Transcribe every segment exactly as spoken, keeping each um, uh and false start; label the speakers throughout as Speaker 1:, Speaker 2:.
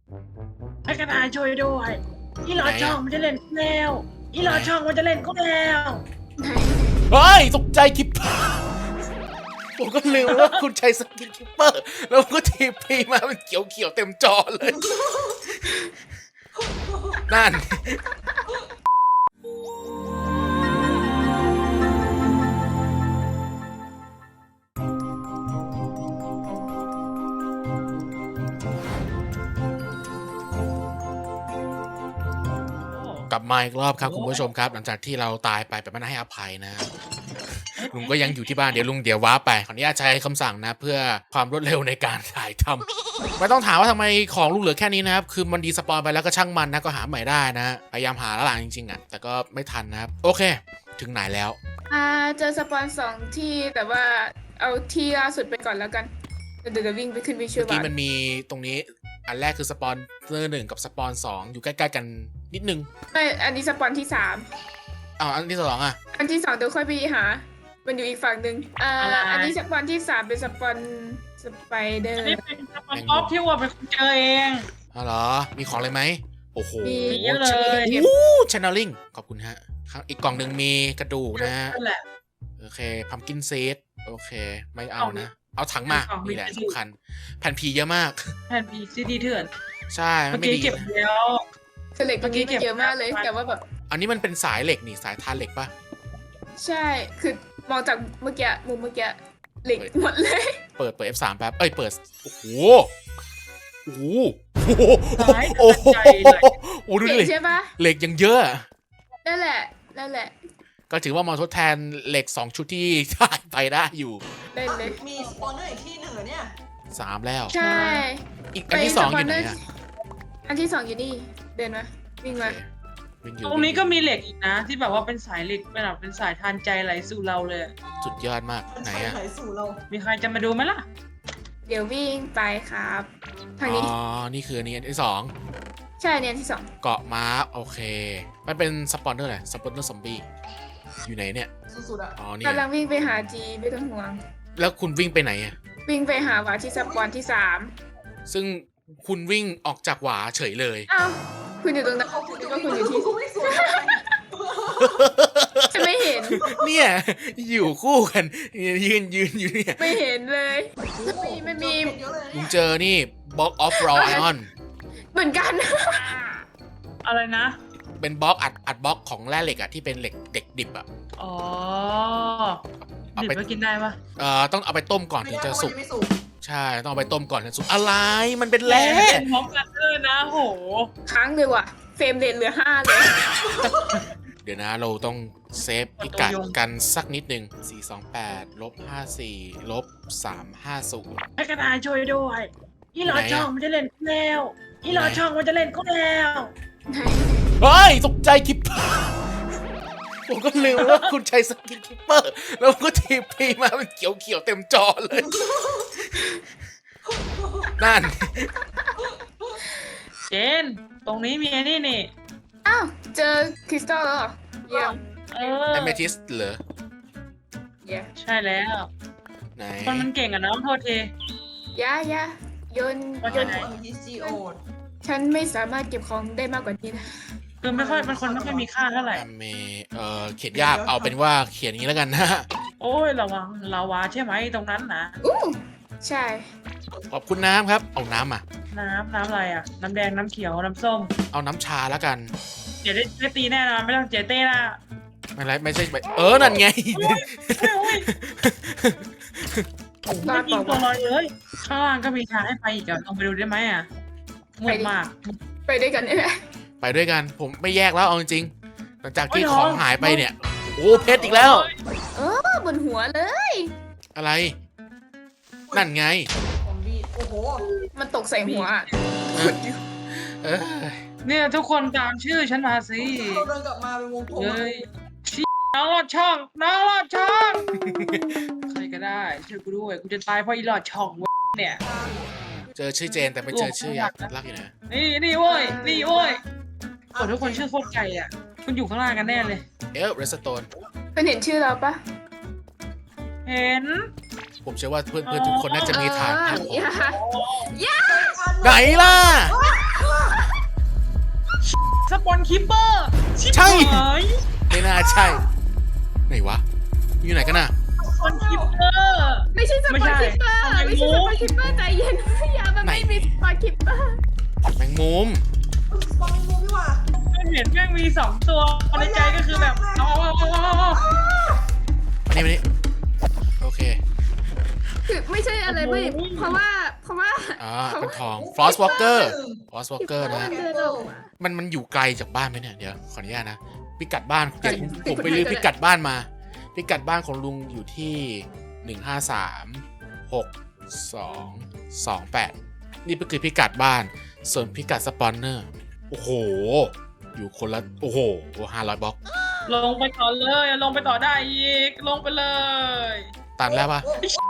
Speaker 1: ให้กระต่ายช่วยด้วยอีหลอดช่องมันจะเล่นแล้วอีหลอดช่องมันจะเล่นก็แล้ว
Speaker 2: เฮ้ยตกใจคิปเปอร์ผมก็ลืมว่าคุณใช้สกินคิปเปอร์แล้วก็ทีพีมาเป็นเขียวๆเต็มจอเลยนั่นกลับมาอีกรอบครับคุณผู้ชมครับหลังจากที่เราตายไปแบบไม่ให้อภัยนะลุงก็ยังอยู่ที่บ้านเดี๋ยวลุงเดี๋ยวว้าไปขออนุญาตใช้คำสั่งนะเพื่อความรวดเร็วในการถ่ายทำไม่ต้องถามว่าทำไมของลุงเหลือแค่นี้นะครับคือมันดีสปอยไปแล้วก็ช่างมันนะก็หาใหม่ได้นะพยายามหาแล้วหลังจริงๆอ่ะแต่ก็ไม่ทันนะครับโอเคถึงไหนแล้ว
Speaker 3: อ่าเจอสปอนสองที่แต่ว่าเอาที่ล่าสุดไปก่อนแล้วกันเดี๋ยวจะวิ่งไปขึ้นวิชวล
Speaker 2: เมื่อกี้
Speaker 3: บา
Speaker 2: มันมีตรงนี้อันแรกคือสปอนเซอร์หนึ่งกับสปอนสองอยู่ใกล้ๆกันนิดนึง
Speaker 3: ไม่อันนี้สปอนที่สาม
Speaker 2: อ้าวอันที่สองอ่ะ
Speaker 3: อันที่สองเดี๋ยวค่อยไปหา มันอยู่อีกฝั่งหนึ่งอ่าอันนี้สปอนที่สามเป็นสปอนสไปเดอ
Speaker 1: อัน
Speaker 3: ร์
Speaker 1: นี้เป็นสปอนออฟที่ว่าเป็นคนเจอเอง
Speaker 2: อ๋อเหรอมีของอะไรไหมโอ้โห
Speaker 1: มีเยอะเลย
Speaker 2: โอ้ชแนลลิงขอบคุณฮะข้างอีกกล่องหนึ่งมีกระดูกนะฮะ
Speaker 1: นั่นแหละ
Speaker 2: โอเคพัมกินซีดโอเคไม่เอานะ เอาถังมา
Speaker 1: เอามี
Speaker 2: นี่แหละ
Speaker 1: กระดูก
Speaker 2: สำคัญแผ่นพีเยอะมาก
Speaker 1: แผ่นพีซีดีเถื่อน
Speaker 2: ใช่
Speaker 1: เมื่อ
Speaker 2: ไม่
Speaker 1: กี้
Speaker 2: ดี
Speaker 1: เก็บ
Speaker 2: นะ
Speaker 1: แล้ว
Speaker 3: คือเหล็กตรงนี้มันเยอะมากเลย
Speaker 1: เมื่อกี้เก็บ
Speaker 3: แต่ว่าแบบ
Speaker 2: อันนี้มันเป็นสายเหล็กนี่สายทานเหล็กปะ
Speaker 3: ใช่คือมองจากเมื่อกี้มุมเมื่อกี้เหล็กหมดเลย
Speaker 2: เปิดเปิด เอฟ สาม แป๊บเอ้ยเปิดโอ้โหโอ้โหโอ้โห
Speaker 1: สาย
Speaker 2: โอ้โห
Speaker 1: ใจเลย
Speaker 2: โอ้ดู
Speaker 3: เก่
Speaker 2: ดิ
Speaker 3: งใช่ปะ
Speaker 2: เหล็กยังเยอะ
Speaker 3: นั่นแหละนั่นแหละ
Speaker 2: ก็ถือว่ามาทดแทนเหล็กสองชุดที่ถ่ายไปได้อยู่
Speaker 3: ได้เลย
Speaker 4: มีสปอนเนอร์อีกที่หนึ่งเหรอเนี่ย
Speaker 2: สามแล้ว
Speaker 3: ใช่
Speaker 2: อีกอันที่สองอยู่ไหนอะ
Speaker 3: อันที่สองอยู่นี่เดินมาวิ่งมา
Speaker 2: โอเควิ่งอยู่
Speaker 1: ตรงนี้ก็มีเหล็กอีกนะ ที่แบบว่าเป็นสายเหล็กเป็นแบบเป็นสายทานใจไหลสู่เราเลย
Speaker 2: สุดยอดมาก
Speaker 4: มัน
Speaker 2: ไหน
Speaker 4: ใช้
Speaker 2: อะ
Speaker 4: ไหลสู่เรา
Speaker 1: มีใครจะมาดูไหมล่ะ
Speaker 3: เดี๋ยววิ่งไปครับทางนี้
Speaker 2: อ๋อนี่คืออันนี้อันที่สอง
Speaker 3: ใช่เนี่ยอันที่สอง
Speaker 2: เกาะม้าโอเค มันเป็นสปอนเนอร์อะไรสปอนเนอร์ซอมบี้อยู่ไหนเนี่ย
Speaker 4: สุดๆอ่ะ
Speaker 2: อ๋อนี่
Speaker 3: กำลังวิ่งไปหาจีไม่ต้องห่วง
Speaker 2: แล้วคุณวิ่งไปไหนอะ
Speaker 3: วิ่งไปหาหวาที่สปอนที่สาม
Speaker 2: ซึ่งคุณวิ่งออกจากหวาเฉยเลย
Speaker 3: อ้าวคุณอยู่ตรงนั้นเขาคิดว่าคุณอยู่ที่
Speaker 4: เขาไม่สวยเลย
Speaker 3: ฉันไม่เห็น
Speaker 2: เนี่ย อยู่คู่กันยืนยืนอยู่เนี่ย
Speaker 3: ไม่เห็นเลยไม่ไม่มี
Speaker 4: เยอะเลยนะ
Speaker 2: ลุ
Speaker 4: เนี่
Speaker 2: ง
Speaker 4: ย
Speaker 2: เจอนี่ Box of Raw Iron
Speaker 3: เหมือนกัน
Speaker 1: อะไรนะ
Speaker 2: เป็นบล็อกอัดอัดบล็อกของแร่เหล็กอะที่เป็นเหล็กเด็กดิบอะ
Speaker 1: อ๋อ
Speaker 2: เอา
Speaker 1: ดิบ
Speaker 2: ไป
Speaker 1: ไปกินได้ปะ
Speaker 2: เอ่อต้องเอาไปต้มก่อน
Speaker 4: ไม่
Speaker 2: ถึง
Speaker 4: ได้
Speaker 2: จะ
Speaker 4: เพราะ
Speaker 2: สุ
Speaker 4: มัน
Speaker 2: ก
Speaker 4: ยังไม่สุก
Speaker 2: ใช่ต้องเอาไปต้มก่อนถึงสุกอะไรมันเป็นแร่
Speaker 1: พร้อมกันเลยนะโห
Speaker 3: ค้างเลยว่ะเฟรมเรทเหลือห้าเลย
Speaker 2: เดี๋ยวนะเราต้องเซฟพิกัดกันสักนิดหนึ่งสี่สองแปดลบห้าสี่ลบสามห้าศูนย์
Speaker 1: ให้กระต่ายช่วยด้วยอีหลอดช่องมันจะเล่นก็แล้วอีหลอดช่องมันจะเล่นก็แล้ว
Speaker 2: เฮ้ยตกใจคิปเปอร์ผมก็ลืมว่าคุณใช้สกินคิปเปอร์แล้วก็ทีพีมาเป็นเขียวๆเต็มจอเลยนั่น
Speaker 1: เจน ตรงนี้มีไอ้นี่นี่
Speaker 3: อ้าวเจอคริสตัลแล้วเหรอเยี่ยม
Speaker 1: เออ
Speaker 2: แอมเมทิสเหรอ
Speaker 3: เยี่ยม
Speaker 1: ใช่แล้ว
Speaker 2: ไหน
Speaker 1: คนมันเก่งอะน้องโทษที
Speaker 3: ยะยะโยน
Speaker 1: ว่า
Speaker 3: โย
Speaker 1: จะ
Speaker 3: น
Speaker 1: ไหน
Speaker 4: ฮิสจีโอด
Speaker 3: ฉันไม่สามารถเก็บของได้มากกว่านี้นะ
Speaker 1: คือไม่ค่อยเป็นคนไม่ค่อยมีค่าเท่าไหร่
Speaker 2: แอมเมเอ่อเขียนยากเอาเป็นว่าเขียนอย่างนี้แล้วกันนะ
Speaker 1: โอ้ยระวังลาวาใช่ไหมตรงนั้นนะ
Speaker 3: อู้ใช่
Speaker 2: ขอบคุณน้ำครับเอาน้ำอ่ะ
Speaker 1: น้ำน้ำอะไรอะน้ำแดงน้ำเขียวน้ำส้ม
Speaker 2: เอาน้ำชาแล้วกัน
Speaker 1: เดี๋ยวได้ได้ตีแน่นอนไม่ต้องเจเต้ละ
Speaker 2: ไม่ไรไม่ใช่ไม่เออนั่นไง
Speaker 1: โอ้ยโอ้ยไม่ยิงตัวลอยเลยข้างล่างก็มีทางให้ไปอีกอะลองไปดูได้ไหมอะมืดมาก
Speaker 3: ไปด้วยกันได้ไหม
Speaker 2: ไปด้วยกันผมไม่แยกแล้วเอาจริงๆหลังจากที่
Speaker 1: โอ้ย
Speaker 2: ของ
Speaker 1: น้อง
Speaker 2: หายไปเนี่ยโอ้เพชรอีกแล้ว
Speaker 3: เออบนหัวเลย
Speaker 2: อะไร นั่นไง
Speaker 4: ซอมบี้โอ้โห
Speaker 3: มันตกใส่หัวอะ
Speaker 2: เออ
Speaker 1: เนี่ยทุกคนตามชื่อฉันมาสิ
Speaker 4: เราเดินกลับมาเป็นวงกลม
Speaker 1: เฮ้ยชี้น้องลอดช่อง น้องลอดช่อง ใครก็ได้ช่วยกูด้วย กูจะตายเพราะอีหลอดช่องเว้ยเนี่ย
Speaker 2: เจอชื่อเจนแต่ไม่เจอชื่อยักษ์รักอยู่นะ
Speaker 1: นี่นี่เว้ย นี่เว้ยโอ้ทุกคนชื่อโคตรไก่อ่ะ คุณอยู่ข้างล่างกันแน่เลย
Speaker 2: เอลเรสโตน
Speaker 3: คุณเห็นชื่อเราปะ
Speaker 1: เห็น
Speaker 2: ผมเชื่อว่าเพื่อนๆทุกคนน่าจะมีฐานภาพ
Speaker 3: เอออย่า
Speaker 2: ไหนล่ะ
Speaker 1: สปอนคิปเปอร์ชิบ
Speaker 2: ใช่
Speaker 1: หาย
Speaker 2: ไม่น่าใช่ไหนวะอยู่ไหนกันน่ะ
Speaker 1: สปอนคิปเปอร์
Speaker 3: ไม่ใช่ส
Speaker 1: ไม่
Speaker 3: ปอน
Speaker 1: ใช่
Speaker 3: คิปเปอร์
Speaker 1: ทำไม
Speaker 3: ไม่ใช่ส
Speaker 1: รู้
Speaker 3: ปอนคิปเปอร์ใจเย็นอย่ามัน
Speaker 2: ไหน
Speaker 3: ไม่มีสปอนคิปเปอร์
Speaker 2: แมงมุม
Speaker 4: บอลมูพี่ว่า
Speaker 1: ไม่เห็นแม่งมีสองตัวในใจก็คือแบบเอาเอาเอาเอาเอา
Speaker 2: มานี่มานี่โอเค
Speaker 3: คือไม่ใช่อะไรเว้ยเพราะว่าเพราะว่า
Speaker 2: อ่าเป็นทอง ฟลอสวอลเกอร์ ฟลอสวอลเกอร์นะ
Speaker 3: เดินออกมา
Speaker 2: มันมันอยู่ไกลจากบ้านไหมเนี่ย เดี๋ยวขออนุญาตนะ พิกัดบ้านเดี๋ยวผมผมไปลือพิกัดบ้านมา พิกัดบ้านของลุงอยู่ที่หนึ่งห้าสามหกสองสองแปดนี่ก็คือพิกัดบ้าน ส่วนพิกัดสปอนเนอร์ โอ้โห อยู่คนละ โอ้โหห้าร้อยบล็อก
Speaker 1: ลงไปต่อเลยลงไปต่อได้อีกลงไปเลย
Speaker 2: ตันแล้วปะ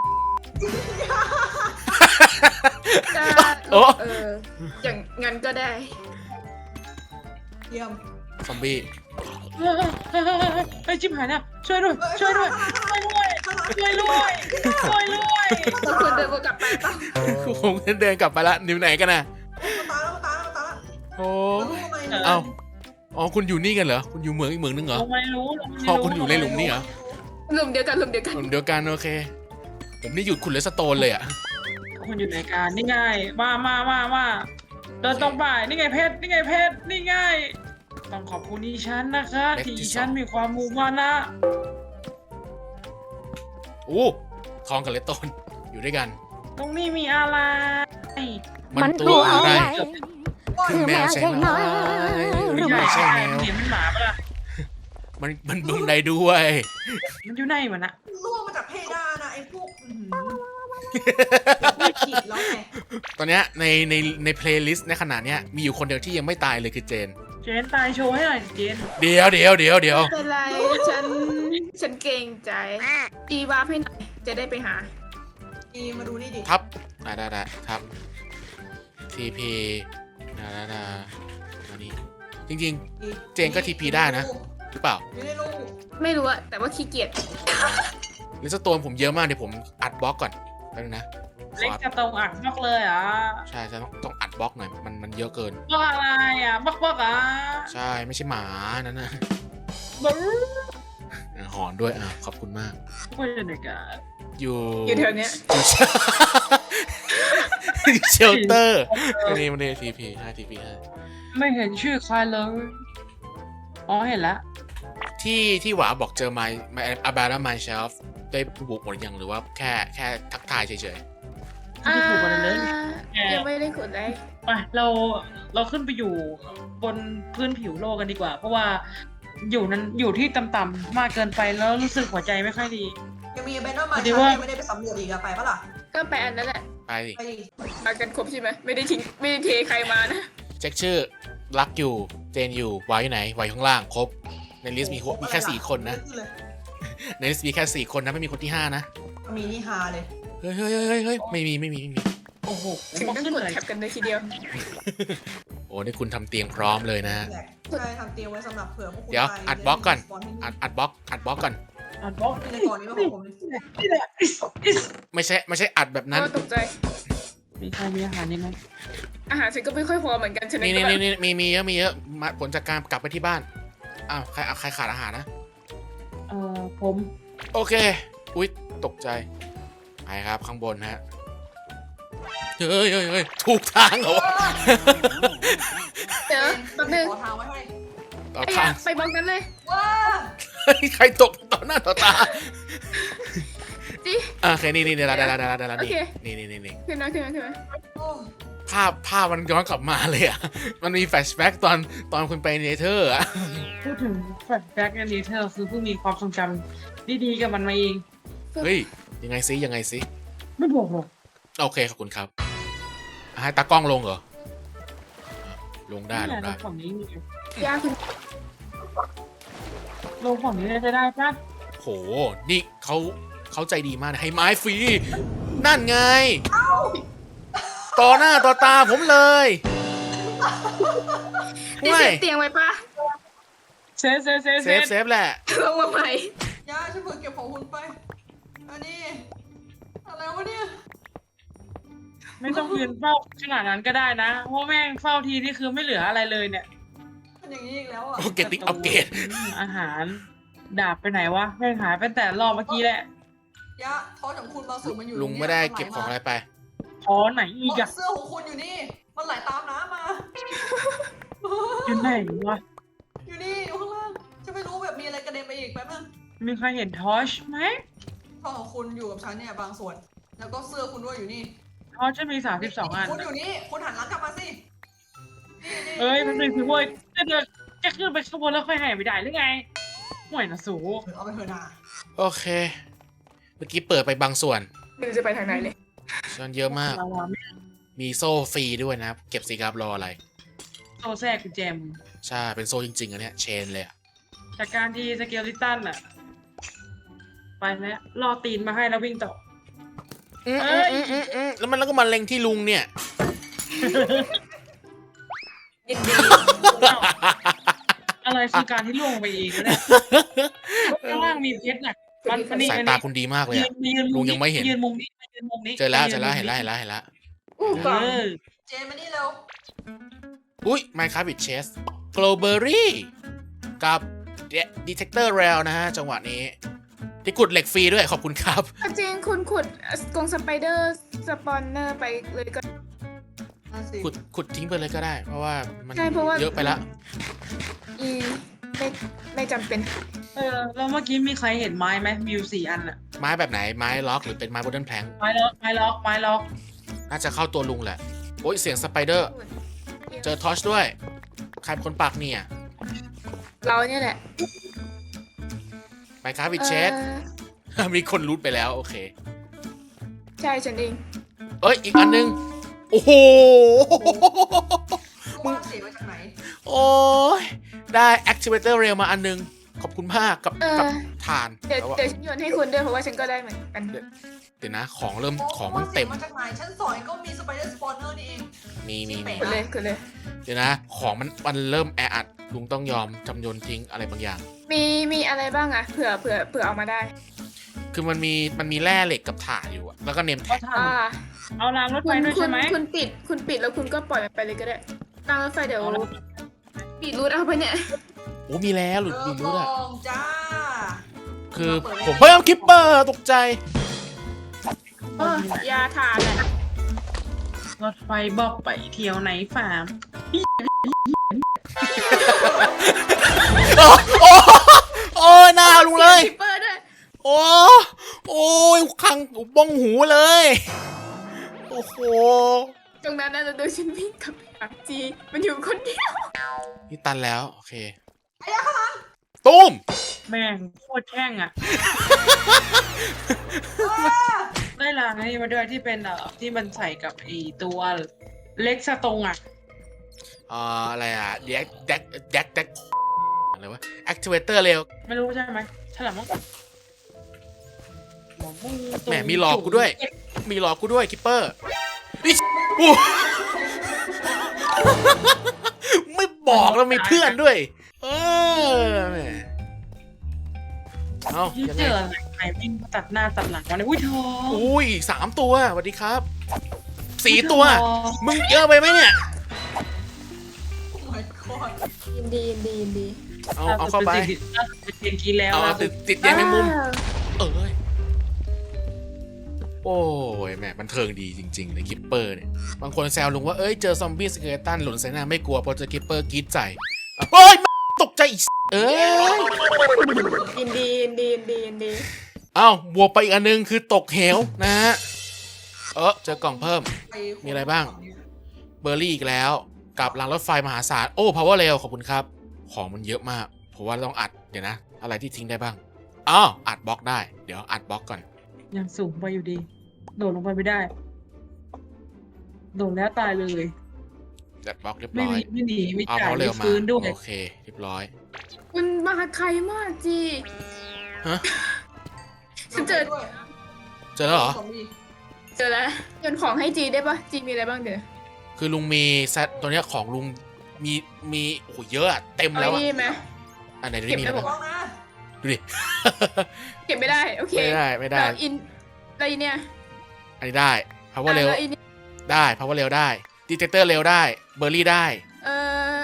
Speaker 3: จะ
Speaker 2: โอ้
Speaker 3: เอออย่างงั้นก็ได้
Speaker 4: เยี่ยม
Speaker 2: ซอมบี้
Speaker 1: ไอ้ยชิบหายเนี่ยช่วยด้วยช่วยด้วยช่วยด้วยช่วยด้วยช่วยด้วย
Speaker 3: ต้องคุณเดินวนกลับไปเปล่า
Speaker 2: ผมเดินกลับไปละนิ้วไหนกันนะ
Speaker 4: ตายแล้วตายแล้วตายแล้ว
Speaker 2: โอ้
Speaker 4: แล้วทำไม
Speaker 2: เอ้าอ๋อคุณอยู่นี่กันเหรอ คุณอยู่เมืองอีกเมืองนึงเหรอ
Speaker 1: ลงไม่รู้ลงไม่
Speaker 2: พอ
Speaker 1: รู้
Speaker 2: คุณอยู่ในหลุมนี่เหรอ
Speaker 3: หลุมเดียวกันหลุมเดียวกัน
Speaker 2: หลุมเดียวกันโอเค ผมนี่หยุดคุณเลสโตนเลยอ่ะ
Speaker 1: คุณอยู่ในการนี่ไงมามามามาเดินตรงไปนี่ไงเพชรนี่ไงเพชรนี่ไงต้องขอบคุณอีฉันนะคะ
Speaker 2: เพชรที่
Speaker 1: ที่อี
Speaker 2: ส
Speaker 1: ฉั
Speaker 2: อน ง
Speaker 1: มีความมุ่งมั่นนะ
Speaker 2: โอ้ทองกับเลสโตนอยู่ด้วยกัน
Speaker 1: ตรงนี้มีอะไร
Speaker 2: มันตัวอะไร
Speaker 4: คื
Speaker 2: คือ อ
Speaker 4: แม
Speaker 2: แม
Speaker 4: ว
Speaker 2: วใช่ไหมหรือ
Speaker 1: ใช่
Speaker 2: ไม่ใช่
Speaker 1: ใช่
Speaker 2: แมว
Speaker 1: เสียงมันหมาปะล่ะ
Speaker 2: มันมันบึงได้ด้วย
Speaker 1: มันอยู่ไหนมันอะ
Speaker 4: ล่วงมาจากเพดานนะไอ้พวกอื้อหือไม่ผิดแล้วไง
Speaker 2: ตอนเนี้ยในในในเพลย์ลิสต์ในขณะเนี้ยมีอยู่คนเดียวที่ยังไม่ตายเลยคือเจน
Speaker 1: เจนตายโชว์ให้หน่อยเจน
Speaker 2: เดี๋ยวเดี๋ยวเดี๋ยวเดี๋ยว
Speaker 3: ไม่เป็นไรฉันฉันเกรงใจอีวาร์ปให้หน่อยจะได้ไปหา
Speaker 4: อีมาดูนี่ดิ
Speaker 2: ทับได้ได้ได้ทับทีพีนาดาดามานี่จริง
Speaker 4: อี
Speaker 2: เจนก็ ที พี ได้นะ ๆ หรือเปล่า
Speaker 4: อยู่ในรู
Speaker 3: ไม่รู้อะแต่ว่าขี้เกียจ
Speaker 2: เลสโตนผมเยอะมากเดี๋ยวผมอัดบล็อกก่อนแป๊บนึงนะข
Speaker 1: เล็ก
Speaker 2: อ
Speaker 1: จะตรงอักบล็อกเลยอ่ะ
Speaker 2: ใช่ใช่ต้องต้องอัดบล็อกหน่อยมันมันเยอะเกิน
Speaker 1: บล็อกอะไรอ่ะบล็อกบล็อกอ่ะ
Speaker 2: ใช่ไม่ใช่หมานั่นนะ
Speaker 1: บล็อก
Speaker 2: อ่ะหอนด้วยอ่ะขอบคุณมาก
Speaker 1: ไม่ใช่ในการ
Speaker 2: อยู่
Speaker 3: อยู่แถวเนี้ย
Speaker 2: อยู่ เชลเตอร์นี่มันเดทีพีให้ทีพีให้
Speaker 1: ไม่เห็นชื่อใครเลยอ๋อเห็นแล้ว
Speaker 2: ที่ที่หวาบอกเจอไมไมอาบาร่าไมเชลฟ์ได้บุกหมดยังหรือว่าแค่แค่ทักทายเฉย
Speaker 1: ไม่ถูกกันเลย
Speaker 3: อ่ายังไม่ได้ขุดเลย
Speaker 1: ไปเราเราขึ้นไปอยู่บนพื้นผิวโลกกันดีกว่า เพราะว่าอยู่นั้นอยู่ที่ต่ำๆมากเกินไปแล้วรู้สึกหัวใจไม่ค่อยดี
Speaker 4: ยังมีเบนเนอร์มา
Speaker 1: พอดี
Speaker 4: ฉัน
Speaker 1: ว่า
Speaker 4: ยังไม่ได้ไปสำรวจอีกอะไปปะล่ะ
Speaker 3: ก็ไปอันนั้นแหละ
Speaker 2: ๆไปดิ
Speaker 4: ไปดิ
Speaker 3: มากันครบใช่ไหมไม่ได้ทิ้งไม่ได้เทใครมานะ
Speaker 2: เช็คชื่อรักอยู่เจนอยู่วายอยู่ไหนวายอยู่ข้างล่างครบในลิสต์มีมีแค่สี่คนนะ
Speaker 4: ขึ้เลย
Speaker 2: ในลิสต์มีแค่สี่คนนะไม่มีคนที่ห้านะ
Speaker 4: มีนี่ฮาเลย
Speaker 2: เฮ้ยเฮ้ยเฮ้ยเฮ้ยเฮ้ยไม่มีไม่มีไม่มี
Speaker 1: โอ้โห
Speaker 3: ถึง
Speaker 1: มา
Speaker 3: ต้อง
Speaker 1: ขึ้น
Speaker 3: กด
Speaker 1: เลย
Speaker 3: แท็บกันเลยทีเดียว
Speaker 2: โอ้นี่คุณทำเตียงพร้อมเลยนะ
Speaker 4: แหละใช่ทำเตรียมไว้สำหรับเผื่อพวกคุณ
Speaker 2: เดี๋ยว
Speaker 4: ไป
Speaker 2: อัดบล็อกก่อน
Speaker 4: สปที่
Speaker 2: อัดอัดบล็อกอัดบล็อกก่อน
Speaker 1: อ่านบล็อก
Speaker 4: ในก่อนนี้ไม่ของผมเลย
Speaker 1: นี่แหละอิสอิส
Speaker 2: ไม่ใช่ไม่ใช่อัดแบบนั้น
Speaker 3: ก็ตกใจ
Speaker 1: มีใครมีอาหารยังไง
Speaker 3: อาหารฉันก็ไม่ค่อยพอเหมือนกันฉะนั้น
Speaker 2: นี่
Speaker 3: ก็
Speaker 2: นี่
Speaker 3: แบบ
Speaker 2: นี่มีมีเยอะมีเยอะมาผลจากการกลับไปที่บ้านอ้าวใครใครขาดอาหารนะ
Speaker 1: เอ่อผม
Speaker 2: โอเค อุ๊ย ตกใจ ไปครับข้างบนฮะ เฮ้ยเฮ้ยเฮ้ยถูกทางเหรอวะ
Speaker 3: เดี๋ยวแป๊บนึง
Speaker 4: ขอทางไว้ให้
Speaker 2: ต่อ
Speaker 3: ไอ้
Speaker 2: ทา
Speaker 3: อะ
Speaker 2: ง
Speaker 3: ไปบล็อกนั้นเลย
Speaker 4: ว้า
Speaker 2: เฮ้ยใครตกต่อหน้าต่อตา
Speaker 3: จิ
Speaker 2: อ่ะโอเค นี่นี่เดี๋ยวละเดี๋ยวละเดี๋ยวละเดี๋ยวละ
Speaker 3: โอเค
Speaker 2: นี่นี่นี่นี่
Speaker 3: ขึ้นนะขึ้นนะขึ้นนะ
Speaker 4: โอ้
Speaker 2: ภาพภาพมันย้อนกลับมาเลยอ่ะ มันมีแฟลชแบ็กตอนตอนคุณไปเนเธอร์อ่ะ
Speaker 1: พูดถึงแฟลชแบ็กอันนี้เธอคือเพิ่งมีความทรงจำดีๆกับมันมาเอง
Speaker 2: เฮ้ย ยังไงซิยังไงซิ
Speaker 1: ไม่บอกหรอก
Speaker 2: โอเค ขอบคุณครับอ่ะให้ตากล้องลงเหรอ ลงได้ล
Speaker 1: นี่
Speaker 2: ง
Speaker 1: แห
Speaker 2: ได้
Speaker 1: ละฝั่งนี้มี
Speaker 3: ยากคุณ
Speaker 1: ลงฝั่งนี้จะได้ปะ
Speaker 2: โห นี่เขาเขาใจดีมากนะให้ไม้ฟรี นั่นไง ต่อหน้าต่อตาผมเลย
Speaker 3: นี่
Speaker 2: ไม่
Speaker 3: เซฟเตียงไว้ปะ
Speaker 1: เซฟเซฟเซฟ
Speaker 2: เซฟเซฟแหละ
Speaker 3: ลงมาใหม่
Speaker 4: ยาฉันเพิ่งเก็บของคุณไป อันนี้ อะไรวะเนี่ย
Speaker 1: ไม่ต้องยืนเฝ้าขนาดนั้นก็ได้นะเพราะแม่งเฝ้าทีนี่คือไม่เหลืออะไรเลยเนี่ย
Speaker 4: มันอย่างนี้อีกแล้วอ่ะ
Speaker 2: โอเคติ๊กอัปเกรด
Speaker 1: อาหาร ดาบไปไหนวะไม่หายไปแต่รอบเมื่อกี้แหละ
Speaker 4: ยะท้อของคุณบางส่วนมันอยู่
Speaker 2: ลุงไม่ได้เก็บของอะไรไป
Speaker 1: ขอไหนอีกอะ
Speaker 4: เสื้อของคุณอยู่นี่ มันไหลตามน้ำมา
Speaker 1: อยู่ไหนวะ
Speaker 4: อยู่นี่อยู่ข้างล่างจะไม่รู้แบบมีอะไรกระเด็นไปอีกแป๊บนึง
Speaker 1: มีใครเห็นทอชไหม
Speaker 4: ท้อของคุณอยู่กับฉันเนี่ยบางส่วน แล้วก็เสื้อคุณด้วยอยู่นี่
Speaker 1: ทอชจะมีสามสิบสองอัน
Speaker 4: คุณอยู่นี่คุณหันหลังกลับมาสินี่นี่
Speaker 1: เอ้ยมันเป็นคือเว้ยจะเดินจะขึ้นไปข้างบนแล้วค่อยหายไปได้หรือไงห่วยนะสู
Speaker 4: เอาไปเถอะนา
Speaker 2: โอเค เมื่อกี้เปิดไปบางส่วน
Speaker 3: ไม่รู้จะไปทางไหนเลย
Speaker 2: ส่วนเยอะมาก
Speaker 1: เราอะไม่
Speaker 2: มีโซ่ฟรีด้วยนะครับ เก็บสิครับรออะไร
Speaker 1: โซแทรกกุญแจม
Speaker 2: ใช่ เป็นโซ่จริงๆอันเนี้ยเชนเลยอะ
Speaker 1: จากการที่สเกลลิตันอะไปแล้วรอตีนมาให้แล้ววิ่งต่อ
Speaker 2: อืม
Speaker 1: เอ้
Speaker 2: อื
Speaker 1: ย
Speaker 2: มอืมอืมแล้วมันแล้วก็มาเล็งที่ลุงเนี่ย
Speaker 3: ยินดี
Speaker 1: อะไรคือการที่ล่วงไปเองเนี่ยข้างล่างมีเพชรน่ะมันมันนี่
Speaker 2: สายตาคุณดีมากเลย
Speaker 1: ยื
Speaker 2: อะ
Speaker 1: นยืน
Speaker 2: ลุงยังไม่เห็น
Speaker 1: ยืนมุมนี้ยืนมุมนี้
Speaker 2: เจอแล้วเจ
Speaker 1: ยื
Speaker 2: อน แล้ว
Speaker 1: มุม
Speaker 2: เห็นแล้วเห็นแล้วเห็นแล้วเห็นแล้ว
Speaker 3: อู้ก
Speaker 1: เอ
Speaker 3: ล่อง
Speaker 1: อ
Speaker 4: เจนมานี่เร็ว
Speaker 2: อุ้ย Minecraft with Chess Glowberry กับ Detector Rail นะฮะ จังหวะนี้ ที่ขุดเหล็กฟรีด้วยขอบคุณครับ
Speaker 3: จริงคุณขุดกรงสไปเดอร์สปอนเนอร์ไปเลยก็
Speaker 4: นั่นสิ
Speaker 2: ขุดขุดทิ้งไปเลยก็ได้ เพราะว่ามัน
Speaker 3: ใช่เพราะว่า
Speaker 2: เยอะไปละ
Speaker 3: อีไม่ไม่จำเป็น
Speaker 1: เออแล้วเมื่อกี้มีใครเห็นไม้ไหมมีอยู่สี่อันอะ
Speaker 2: ไม้แบบไหน ไม้ล็อกหรือเป็นไม้ Wooden Plank
Speaker 1: ไม้ล็อกไม้ล็อกไม้ล็อก
Speaker 2: น่าจะเข้าตัวลุงแหละ โอ้ย เสียงสไปเดอร์ เจอทอชด้วย ใครเป็นคนปักเนี่ย
Speaker 3: เราเนี่ยแหละ
Speaker 2: Minecraft with
Speaker 3: เอ่
Speaker 2: Chess
Speaker 3: อ
Speaker 2: มีคนรูทไปแล้ว โอเค
Speaker 3: ใช่ฉันเอง
Speaker 2: เอ้ย อีกอันนึง โอ้โห
Speaker 4: มึงเสียงมาจากไหน
Speaker 2: โอ้ย ได้ Activator Rail มาอันนึง ขอบคุณมากกับ
Speaker 3: เออ
Speaker 2: กับฐาน
Speaker 3: เดี๋ยว
Speaker 2: แล้วอะ
Speaker 3: เดี๋ยวฉันโยนให้คุณด้วยเพราะว่าฉันก็ได้เหมือนกัน
Speaker 2: เดี๋ยวนะ ของเริ่ม
Speaker 4: โอ้
Speaker 2: ของมันเต็ม
Speaker 4: สียงมาจากไหนชั้นสองก็มีสไปเดอร์สปอนเนอร์นี่เอง
Speaker 2: มีมีมี
Speaker 3: คุณเลยคุณเลย
Speaker 2: เดี๋ยวนะ ของมันมันเริ่มแออัด ลุงต้องยอมจำโยนทิ้งอะไรบางอย่าง
Speaker 3: มีมีอะไรบ้างอะเผื่อเผื่อเผื่อเอามาได้
Speaker 2: คือมันมีมันมีแร่เหล็กกับถ่านอยู่อะแล้วก็เนม
Speaker 1: เขา
Speaker 2: แท็ก
Speaker 1: ท
Speaker 3: อ่า
Speaker 1: ำเอารางรถ
Speaker 3: คุ
Speaker 1: ไฟ
Speaker 3: ณ
Speaker 1: ด้วย
Speaker 3: คุ
Speaker 1: ใช่
Speaker 3: ณ
Speaker 1: ไหม
Speaker 3: คุณปิดคุณปิดแล้วคุณก็ปล่อยมันไปเลยก็ได้รางรถไฟเดี๋ยว
Speaker 1: เอาละ
Speaker 3: ปิดรูทเอาไปเนี่ย
Speaker 2: โอ้มีแล้วหลุด
Speaker 4: เอ
Speaker 2: มี
Speaker 4: อ
Speaker 2: รู้
Speaker 4: ก
Speaker 2: อะ
Speaker 4: ล่องจ้า
Speaker 2: คือผมเพิ่มคิปเปอร์ตกใจ
Speaker 3: เออยาทานแหละ
Speaker 1: รถไฟบอกไปเที่ยวไหนฟาร์ม
Speaker 2: โอ้โอ้โอ้ยหน้าลุงเลย
Speaker 3: เปิดด้วย
Speaker 2: โอ้โอ้ยคังบ้องหูเลย โอ้โห
Speaker 3: ตรงนั้นน่าจะโดนฉันวิ่งกลับไปหาจีมันอยู่คนเดียว
Speaker 2: นี่ตันแล้ว โอเค
Speaker 4: ไอ้ยะข้างหลัง
Speaker 2: ตุ้ม
Speaker 1: แม่งโคตรแช่งอะได้รางนี้มาด้วยที่เป็นเอ่อที่มันใส่กับไอตัวเล็กสตรงอะ
Speaker 2: อ่าอะไรอ่ะแดกแดกแดกแดกอะไรวะ activator เร็ว
Speaker 1: ไม่รู้ใช่ไหมฉลามมั้งหมอมู
Speaker 2: แหมมีหลอกกูด้วย มีหลอกกูด้วยคิปเปอร์นี่อู้ ไม่บอกแล้วมีเพื่อนด้วย เออแหมเอา
Speaker 1: ที่
Speaker 2: ยัง
Speaker 1: เจ
Speaker 2: ไง
Speaker 1: ออะไรใครวิ่งตัดหน้าตัดหลังมาเลยอุ้ยทอง
Speaker 2: อุ้ยสามตัวสวัสดีครับสี่ตัว มึงเยอะไปไหมเนี่ย
Speaker 4: โอ้ my god
Speaker 3: ยินดียินดียินดี
Speaker 2: เอาเอาเข้าไป
Speaker 1: เป็นเพียงกี้แล้ว
Speaker 2: เอา
Speaker 1: ล่า
Speaker 2: ติ
Speaker 1: สุ
Speaker 2: ด
Speaker 1: ด
Speaker 2: ติดยังแมงมุม
Speaker 3: ว้าว
Speaker 2: เอ้ย โอ้ยแหมมันเทิงดีจริงๆเลยคิปเปอร์เนี่ย บางคนแซวลุงว่า เอ้ย เจอซอมบี้สเกเลตันหล่นใส่หน้าไม่กลัวเพราะเจอคิปเปอร์กรีดใจเฮ้ย ตกใจอีกเอ้ย
Speaker 3: ยินดียินดียินดียินดี
Speaker 2: เอ้าบวกไปอีกอันนึงคือตกเหวนะฮะ เออเจอกล่องเพิ่ม
Speaker 4: ไป
Speaker 2: มีอะไรบ้าง เบอร์รี่อีกแล้ว กับรางรถไฟมหาศาล โอ้ พาวเวอร์เรลขอบคุณครับ ของมันเยอะมากผมว่าต้องอัด เดี๋ยวนะ อะไรที่ทิ้งได้บ้างอ้าวอัดบล็อกได้ เดี๋ยวอัดบล็อกก่อน
Speaker 1: ยังสูงไปอยู่ดี โดดลงไปไม่ได้ โดดแล้วตายเลย
Speaker 2: จัดบล็อกเรียบ
Speaker 1: ไม่
Speaker 2: ร้อ
Speaker 1: มี
Speaker 2: ย
Speaker 1: ไม่หนีไม่
Speaker 2: เอา
Speaker 1: จ่าย
Speaker 2: เขาเร็
Speaker 1: ไม่
Speaker 2: วมา
Speaker 1: ฟื้นด้วย
Speaker 2: โอเค เรียบร้อย
Speaker 3: คุณมาใครมากจี
Speaker 2: ฮะ
Speaker 3: ฉันเจอ
Speaker 4: ด้วย
Speaker 2: เจอแล้วเหรอ
Speaker 4: ซอมบี้
Speaker 3: เจอแล้วโยนของให้จีได้ปะจีมีอะไรบ้างเดี๋ยว
Speaker 2: คือลุงมีเซตตัวเนี้ยของลุงมีมีโอ้โหเยอะอะเต็ม
Speaker 3: เอา
Speaker 2: แล้ว
Speaker 3: ไอ้
Speaker 2: อะ
Speaker 3: นี่ไหม
Speaker 2: อันไหน
Speaker 3: เก็
Speaker 2: ได้
Speaker 3: บ
Speaker 2: มี
Speaker 3: ได้
Speaker 2: อะไร
Speaker 3: บอก
Speaker 2: บ้าง
Speaker 4: ลองนะ
Speaker 2: ดูดิ
Speaker 3: เก็บไม่ได้โอเค
Speaker 2: ไม่ได้ไม่ได้
Speaker 3: แล้วอินอะไรเนี่ย
Speaker 2: อันนี้ได้ power เร็ว
Speaker 3: อ่ะแล้วอิน
Speaker 2: ได้ power เร็วได้ detector เร็วได้ เบอร์รี่ได้
Speaker 3: เออเออ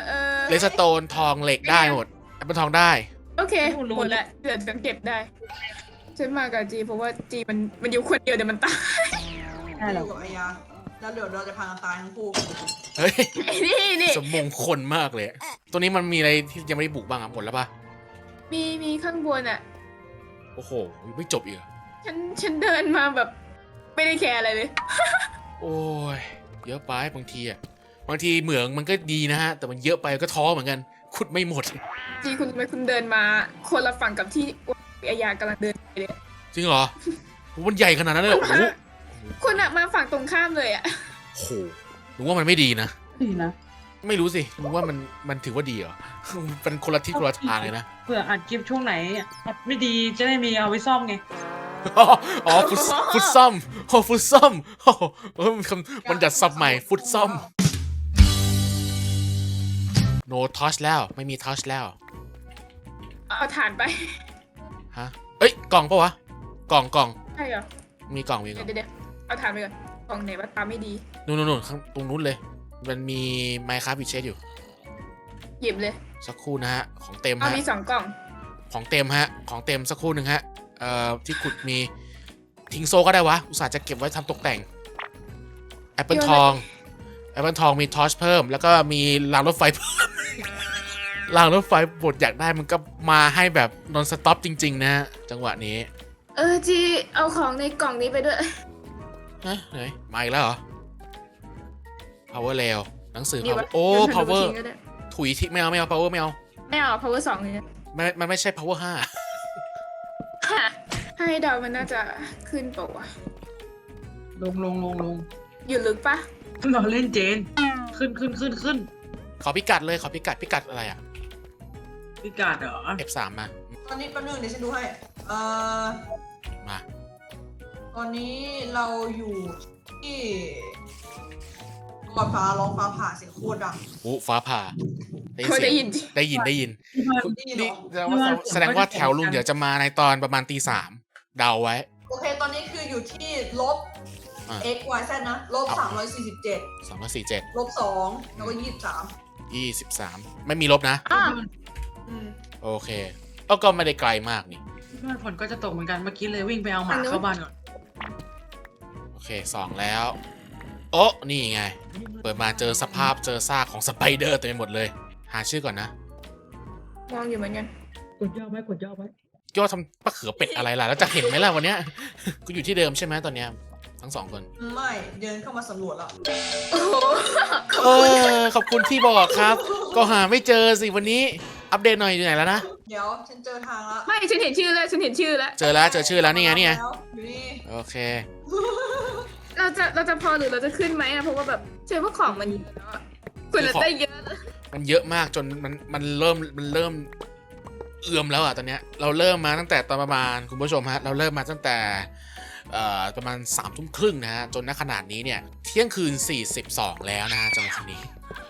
Speaker 2: เลสโตนทองเหล็กได้หมดแอปเปิลทองได้
Speaker 3: โอเคหมดละเดี๋ยวฉันเก็บได้ฉันมากับจีเพราะว่าจีมันมันอยู่คนเดียวเดี๋ยวมันตาย
Speaker 1: ได้
Speaker 4: อ
Speaker 1: หรอยู่
Speaker 4: กับไอ้ยาแล้วเดี๋ยวเราจะพากันตายทั้งคู่
Speaker 2: เฮ้ย
Speaker 3: นี่นี่
Speaker 2: สมมงคลมากเลยตัวนี้มันมีอะไรที่ยังไม่ได้บุกบ้างอ่ะหมดแล้วปะ
Speaker 3: มีมีข้างบนอ่ะ
Speaker 2: โอ้โหไม่จบอีกเหรอ
Speaker 3: ฉันฉันเดินมาแบบไม่ได้แคร์อะไรเลย
Speaker 2: โอ้ยเยอะไปบางทีอ่ะบางทีเหมืองมันก็ดีนะฮะแต่มันเยอะไปก็ท้อเหมือนกันขุดไม่หมด
Speaker 3: จีคุณทำไมคุณเดินมาคนละฝั่งกับที่ไอยากำลังเดินไปเลย
Speaker 2: จริงเหรอโหมันใหญ่ขนาดนั้นเลยเหรอโอ้โห
Speaker 3: คุณอะมาฝั่งตรงข้ามเลยอะ
Speaker 2: โอ้โหหนูว่ามันไม่ดีนะ
Speaker 1: ดีนะ
Speaker 2: ไม่รู้สิหนูว่ามันมันถือว่าดีเหรอ เป็นคนละทิศคนละทางเลยนะ
Speaker 1: เผื่ออัดคลิปช่วงไหนอัดไม่ดีจะได้มีเอาไว้ซ่อมไง
Speaker 2: อ๋อฟุตฟุตซ่อมโอ้ฟุตซ่อมโอ้โหเออมันคำมันจัดซับใหม่ฟุตซ่อม no touch แล้วไม่มี touch แล้ว
Speaker 3: เอาฐานไป
Speaker 2: ฮะเอ้ยกล่องปะวะกล่องกล่อง
Speaker 3: ใช่เหรอ
Speaker 2: มีกล่องมีก
Speaker 3: เดี๋
Speaker 2: ล่
Speaker 3: ย
Speaker 2: อง
Speaker 3: วเดี๋ยวเอาฐานไปก่อนกล่องไหนว่าตาไม่ดี
Speaker 2: นู่นนู่นนู่นข้างตรงนู้นเลย มันมีไมค์ครับบิเชสอยู่
Speaker 3: หยิบเลย
Speaker 2: สักครู่นะฮะของเต็ม
Speaker 3: เอา
Speaker 2: ฮะ
Speaker 3: มีสองกล่อง
Speaker 2: ของเต็มฮะของเต็มสักครู่หนึ่งฮะเอ่อที่ขุดมีทิ้งโซก็ได้วะอุตส่าห์จะเก็บไว้ทำตกแต่งแอปเปิลทองแอปเปิลทองมีทอชเพิ่มแล้วก็มีรางรถไฟเพิ่ม รางรถไฟบทอยากได้มันก็มาให้แบบนอนสต็อปจริง ๆ นะฮะจังหวะนี้
Speaker 3: เออจีเอาของในกล่องนี้ไปด้วย
Speaker 2: ฮะไหนมาอีกแล้วเหรอ power rail หนังสือ
Speaker 3: นี่
Speaker 2: power
Speaker 3: วะ
Speaker 2: โอ้
Speaker 3: เดี๋ยวฉัน
Speaker 2: power
Speaker 3: ดูทิ้งก็ได้
Speaker 2: ถุยทิ้งไม่เอาไม่เอา power ไม่เอา
Speaker 3: ไม่เอา power สองเลยนะ
Speaker 2: มันมันไม่ใช่ power ห้า
Speaker 3: ให้เดามันน่าจะขึ้นเปล่าวะ
Speaker 1: ลงลงลงลง
Speaker 3: อยู่ลึกปะ
Speaker 1: เราเล่นเจน ขึ้นขึ้นขึ้นขึ้น
Speaker 2: ขอพิกัดเลยขอพิกัดพิกัดอะไรอ่ะ
Speaker 1: พิกาดเหรอ
Speaker 2: เอฟ สาม มา
Speaker 4: ตอนนี้แป๊บนึงเดี๋ยวฉันดูให้เอ่อ
Speaker 2: มา
Speaker 4: ตอนนี้เราอยู่ที่ก่อนฟ้าร้องฟ้าผ่าเสียงโคตรดัง
Speaker 2: อู้ฟ้าผ่าได้ยิน
Speaker 3: เขา
Speaker 2: เสี
Speaker 3: ได้
Speaker 2: ยง
Speaker 3: ยิน
Speaker 2: ได้ยินได้ยิน
Speaker 1: ที่บ้าน
Speaker 4: ได้ยินเหร
Speaker 2: นี่
Speaker 4: อ
Speaker 2: แสดงว่าแสดงว่าแถวลุงเดี๋ยวจะมาในตอนประมาณตีสามเดาไว้
Speaker 4: โอเคตอนนี้คืออยู่ที่ลบ
Speaker 2: อ่า
Speaker 4: x y z นะลบสามร้อยสี่สิบเจ็ด
Speaker 2: สองร้อยสี่เจ็ด
Speaker 4: ลบสองแล้วก็ยี่สิบสาม
Speaker 2: ยี่สิบสามไม่มีลบนะ
Speaker 3: อ่ะ
Speaker 4: อืม
Speaker 2: โอเคก็ก็ไม่ได้ไกลมากนี่
Speaker 1: ที่บ้านฝนก็จะตกเหมือนกันเมื่อกี้เลยวิ่งไปเอาหมาเข้าบ้านก่อน
Speaker 2: โอเคสองแล้ว โอ้นี่ไง เปิดมาเจอสภาพเจอซากของสไปเดอร์เต็มไปหมดเลย หาชื่อก่อนนะ
Speaker 3: มองอยู่เหมือนกัน
Speaker 1: กดย่อไว้กดย่อไว้
Speaker 2: ย่อทำปลาเขือเป็ดอะไรล่ะ แล้วจะเห็นไหมล่ะวันเนี้ย กูอยู่ที่เดิมใช่ไหมตอนเนี้ยทั้งสองคน
Speaker 4: ไม่เดินเข้ามาสำรวจแล้ว
Speaker 3: โอ้โห
Speaker 2: เออขอบคุณที่บอกครับ ก็หาไม่เจอสิวันนี้ อัปเดตหน่อยอยู่ไหนแล้วนะ
Speaker 4: เดี๋ยวฉันเจอทางแล้ว
Speaker 3: ไม่ฉันเห็นชื่อแล้วฉันเห็นชื่อแล้ว
Speaker 2: เจอแล้วเจอชื่อแล้วนี่ไงนี่ไง
Speaker 4: แล้วอยู่นี่
Speaker 2: โอเค
Speaker 3: เราจะเราจะพอหรือเราจะขึ้นไหมอะเพราะว่าแบบเชื่อว่าของมันเยอะอะคุณเราได้เยอะเลย
Speaker 2: มันเยอะมากจนมันมันเริ่มมันเริ่มเอื่อมแล้วอ่ะตอนเนี้ยเราเริ่มมาตั้งแต่ตอนประมาณคุณผู้ชมฮะเราเริ่มมาตั้งแต่เอ่อประมาณสามทุ่มครึ่งนะฮะจนณขนาดนี้เนี่ยเที่ยงคืนสี่สิบสองแล้วนะฮะจังหวะนี้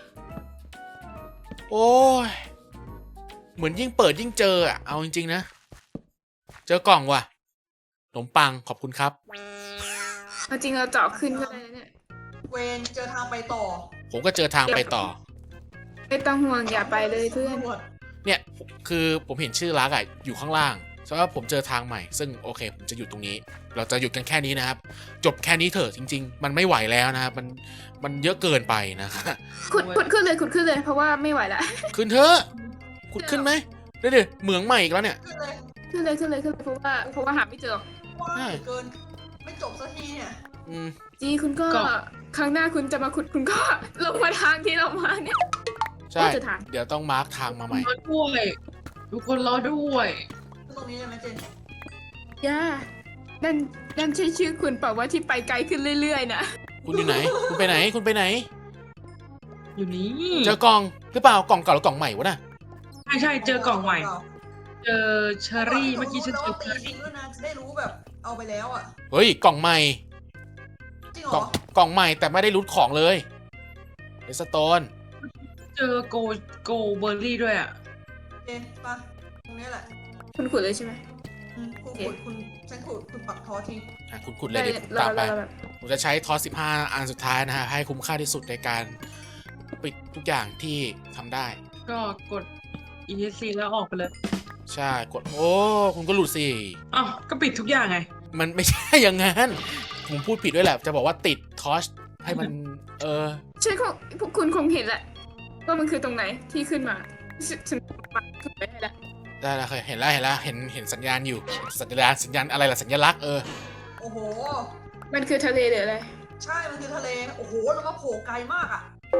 Speaker 2: โอ้ยเหมือนยิ่งเปิดยิ่งเจออ่ะเอาจริงๆนะเจอกล่องว่ะขนมปังขอบคุณครับ
Speaker 3: เอาจริงเราเจาะขึ้นก็ได้นะเนี่ย
Speaker 4: เวนเจอทางไปต่อ
Speaker 2: ผมก็เจอทางไปต่อ
Speaker 3: ไม่ต้องห่วงอย่าไปเลยเพื่อน
Speaker 4: ตำรวจ
Speaker 2: เนี่ยคือผมเห็นชื่อรักอ่ะอยู่ข้างล่างเพราะว่าผมเจอทางใหม่ซึ่งโอเคผมจะหยุดตรงนี้ เราจะหยุดกันแค่นี้นะครับ จบแค่นี้เถอะจริง ๆ มันไม่ไหวแล้วนะครับมันมันเยอะเกินไปนะครับ
Speaker 3: ขุดขุดขึ้นเลยขุดขึ้นเลยเพราะว่าไม่ไหวละ
Speaker 2: ขึ้นเถอะขุดขึ้นไหมเดี๋ยวเดี๋ยวเหมืองใหม่อีกแล้วเนี่ย
Speaker 4: ขึ้นเลย
Speaker 3: ขึ้นเลยขึ้นเลยขึ้นเลยเพราะว่าเพราะว่าหาไม่เจอ
Speaker 4: ว้าวเกิน ไม่จบสักทีเนี่ย
Speaker 2: อืม
Speaker 3: จีคุณก็ครั้งหน้าคุณจะมาขุดคุณก็ ลงมาทางที่เรามาเนี่ย
Speaker 2: ใช่
Speaker 3: เจอทาง
Speaker 2: เดี๋ยวต้องมาร์คทางมาใหม่
Speaker 1: รอด้วยทุกคนรอด้วย
Speaker 4: ขึ้นตรงนี้ได้ไหมเจน
Speaker 3: ย่านั่นนั่นใช่ชื่อคุณเปล่าว่าที่ไปไกลขึ้นเรื่อยๆนะ
Speaker 2: คุณอยู่ไหน คุณไปไหนคุณไปไหน
Speaker 1: อยู่นี่
Speaker 2: เจอกล่องหรือเปล่ากล่องเก่าหรือกล่องใหม่วะน่ะ
Speaker 1: ใช่ใช่เจอกล่องใหม่ เจอเชอรี่เมื่อกี้ฉันเจ
Speaker 4: แล้
Speaker 1: อ
Speaker 4: ว
Speaker 1: เช
Speaker 4: ตี
Speaker 1: อ
Speaker 4: ทิ้
Speaker 1: รี่
Speaker 4: งด้วยนะจะได้รู้แบบเอาไปแล้วอ่ะ
Speaker 2: เฮ้ยกล่องใหม่
Speaker 4: จริงเหร
Speaker 2: กล่อ
Speaker 4: อง
Speaker 2: กล่องใหม่แต่ไม่ได้รูทของเลยเอสโตน
Speaker 1: เจอโกโกเบอร์รี่ด้วยอ่ะ
Speaker 4: เจนปะตรงนี้แหละ
Speaker 3: คุณขุดเลยใช่ไหม
Speaker 4: อืมคุณขุดคุณฉันขุดคุณปักทอที
Speaker 2: อ่ะคุณขุดเลยเดี๋ยวผม
Speaker 3: เรา
Speaker 2: ตามไป
Speaker 3: เราแบบ
Speaker 2: ผมจะใช้ทอสสิบห้าอันสุดท้ายนะฮะให้คุ้มค่าที่สุดในการปิดทุกอย่างที่ทำได้
Speaker 1: ก็กด อี เอส ซี แล้วออกไปเลย
Speaker 2: ใช่กดโอ้คุณก็หลุดสิ
Speaker 1: อ้าวก็ปิดทุกอย่างไง
Speaker 2: มันไม่ใช่อย่างนั้นผมพูดผิดด้วยแหละจะบอกว่าติดทอชให้มันเออ
Speaker 3: ใช่คงพวกคุณคงเห็นแหละว่ามันคือตรงไหนที่ขึ้นมาฉันฉันมาขึ้นไปให้แล้ว
Speaker 2: ได้แล้วเคยเห็นแล้วเห็นแล้วเห็นเห็นสัญญาณอยู่สัญญาณสัญญาณอะไรล่ะสัญลักษณ์เออ
Speaker 4: โอ้โห
Speaker 3: มันคือทะเลหรืออะไร
Speaker 4: ใช่ มันคือทะเล โอ้โห แล้วมาโผล่ไกลมากอ่ะ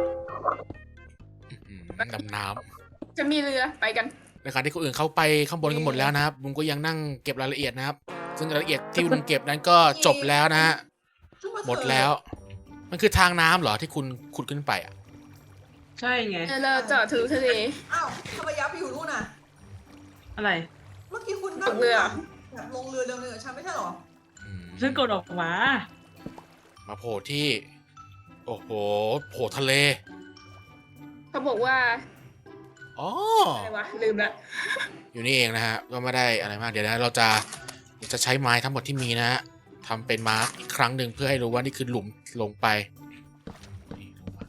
Speaker 2: อืมดำน้
Speaker 3: จะมีเรือไปกัน
Speaker 2: ำในขณะที่คนอื่นเข้าไปข้างบนกันหมดแล้วนะครับลุงก็ยังนั่งเก็บรายละเอียดนะครับซึ่งรายละเอียดที่ลุงเก็บนั้นก็จบแล้วนะฮะหมดแล้ว มันคือทางน้ำเหรอที่คุณขุดขึ้นไปอ่ะ
Speaker 1: ใช่ไง
Speaker 3: เออเราเจาะทะลุทะเล
Speaker 4: อ้าวทำไมยับไปอยู่นู่นน่ะ
Speaker 1: อะไร
Speaker 4: เมื่อกี้คุณนั่
Speaker 3: ตกเรือ
Speaker 4: แบบลงเรือเรือเรือฉันไม่ใช่เหรอ
Speaker 2: อืม
Speaker 1: ฉันกดออกมา
Speaker 2: มาโผล่ที่ โอ้โหโผล่ทะเล
Speaker 3: เขาบอกว่า
Speaker 2: อ๋อ
Speaker 3: อะไรวะลืมละ
Speaker 2: อยู่นี่เองนะฮะก็ไม่ได้อะไรมากเดี๋ยวนะเราจะเราจะใช้ไม้ทั้งหมดที่มีนะฮะทำเป็นมาร์กอีกครั้งหนึ่งเพื่อให้รู้ว่านี่คือหลุมลงไปนี่ลงมา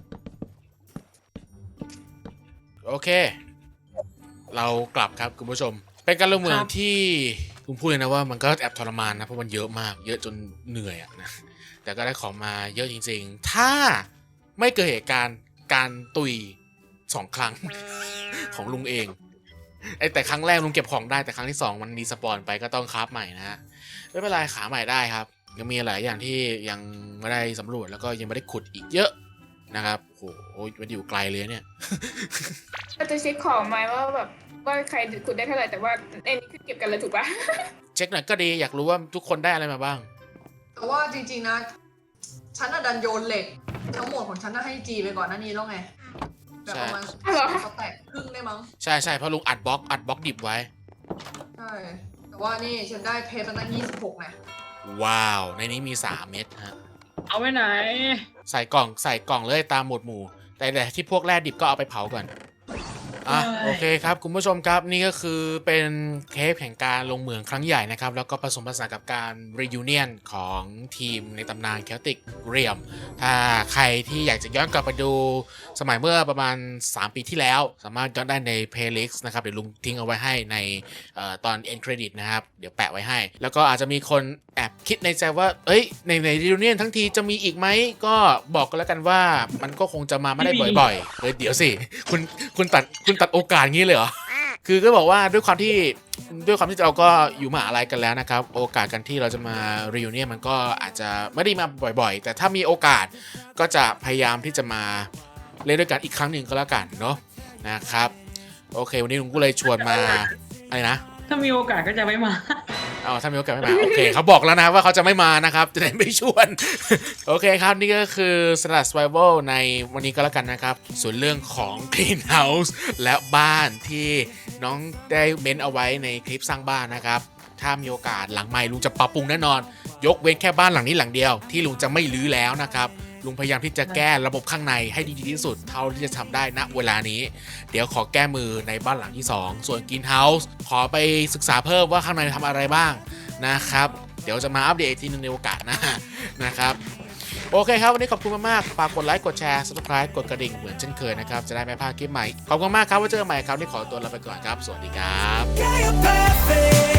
Speaker 2: โอเค เรากลับครับคุณผู้ชม เป็นการลงมือ
Speaker 1: ครับ
Speaker 2: ที่คุณพูดเลยนะว่ามันก็แอบทรมานนะเพราะมันเยอะมาก เยอะจนเหนื่อยอะนะแต่ก็ได้ของมาเยอะจริงๆ ถ้าไม่เกิดเหตุการณ์การตุยสองครั้ง ของลุงเองไอแต่ครั้งแรกลุงเก็บของได้แต่ครั้งที่สองมันรีสปอนไปก็ต้องคราฟใหม่นะฮะไม่เป็นไรขาใหม่ได้ครับยังมีหลายอย่างที่ยังไม่ได้สำรวจแล้วก็ยังไม่ได้ขุดอีกเยอะนะครับโอ้โหมันอยู่ไกลเลยเนี่ย
Speaker 3: เราจะเช็คของไหมว่าแบบว่าใครขุดได้เท่าไหร่แต่ว่าไอ้นี่คือเก็บกันเลยถูกปะ
Speaker 2: เช็คหน่อยก็ดีอยากรู้ว่าทุกคนได้อะไรมาบ้าง
Speaker 4: แต่ว่าจริงๆนะ ฉันน่ะดันโยนเหล็ก ทั้งหมดของฉันน่ะให้จีไปก่อนหน้านี้แล้วไง แบบประมาณ
Speaker 3: ใช่เหรอ
Speaker 4: สแต็กครึ่งได้มั้ง
Speaker 2: ใช่ใช่เพราะลุงอัดบล็อกอัดบล็อกดิบไว้
Speaker 4: ใช่ แต่ว่านี่ฉันได้เพชรมาตั้งยี่สิบหกไง
Speaker 2: ว้าวในนี้มีสามเม็ดฮะ
Speaker 1: เอาไว้ไหน
Speaker 2: ใส่กล่องใส่กล่องเลยตามหมวดหมู่ แต่แต่ที่พวกแร่ดิบก็เอาไปเผาก่อนอ่ะ
Speaker 1: เอ้ย
Speaker 2: โอเคครับคุณผู้ชมครับนี่ก็คือเป็นเทปแห่งการลงเหมืองครั้งใหญ่นะครับแล้วก็ผสมผสานกับการ reunion ของทีมในตำนาน Celtic Realm ถ้าใครที่อยากจะย้อนกลับไปดูสมัยเมื่อประมาณสามปีที่แล้ว สามารถย้อนได้ใน playlist นะครับเดี๋ยวลุงทิ้งเอาไว้ให้ในเอ่อตอน end credit นะครับเดี๋ยวแปะไว้ให้ แล้วก็อาจจะมีคนแอบคิดในใจว่าเอ้ยในใน reunion ทั้งทีจะมีอีกไหมก็บอกกันแล้วกันว่ามันก็คงจะมาไม่ได้บ่อยๆเฮ้ยเดี๋ยวสิคุณคุณตัดคุณตัดโอกาสงี้เลยเหรอ คือก็บอกว่าด้วยความที่ด้วยความที่เราก็อยู่มหาลัยกันแล้วนะครับโอกาสกันที่เราจะมา reunion มันก็อาจจะไม่ได้มาบ่อยๆ แต่ถ้ามีโอกาสก็จะพยายามที่จะมาเล่นด้วยกันอีกครั้งหนึ่งก็แล้วกันเนาะนะครับโอเควันนี้ลุงก็เลยชวนมาอะไรนะ
Speaker 1: ถ้ามีโอกาสก็จะไม่มา
Speaker 2: อ๋อถ้ามีโอกาสไม่มาโอเคเขาบอกแล้วนะว่าเขาจะไม่มานะครับจะได้ไม่ชวน โอเคครับนี่ก็คือสลัด Survival ในวันนี้ก็แล้วกันนะครับส่วนเรื่องของ Greenhouse และบ้านที่น้องได้เม้นเอาไว้ในคลิปสร้างบ้านนะครับถ้ามีโอกาสหลังใหม่ลุงจะปรับปรุงแน่นอนยกเว้นแค่บ้านหลังนี้หลังเดียวที่ลุงจะไม่รื้อแล้วนะครับลุงพยายามที่จะแก้ระบบข้างในให้ดีที่สุดเท่าที่จะทำได้ณเวลานี้เดี๋ยวขอแก้มือในบ้านหลังที่สองส่วน Greenhouse ขอไปศึกษาเพิ่มว่าข้างในทำอะไรบ้างนะครับเดี๋ยวจะมาอัปเดตอีกทีนึงในโอกาสหน้านะครับโอเคครับวันนี้ขอบคุณมากๆฝากกดไลค์กดแชร์ Subscribe กดกระดิ่งเหมือนเช่นเคยนะครับจะได้ไม่พลาดคลิปใหม่ขอบคุณมากครับไว้เจอกันใหม่ครับที่ขอตัวลาไปก่อนครับสวัสดีครับ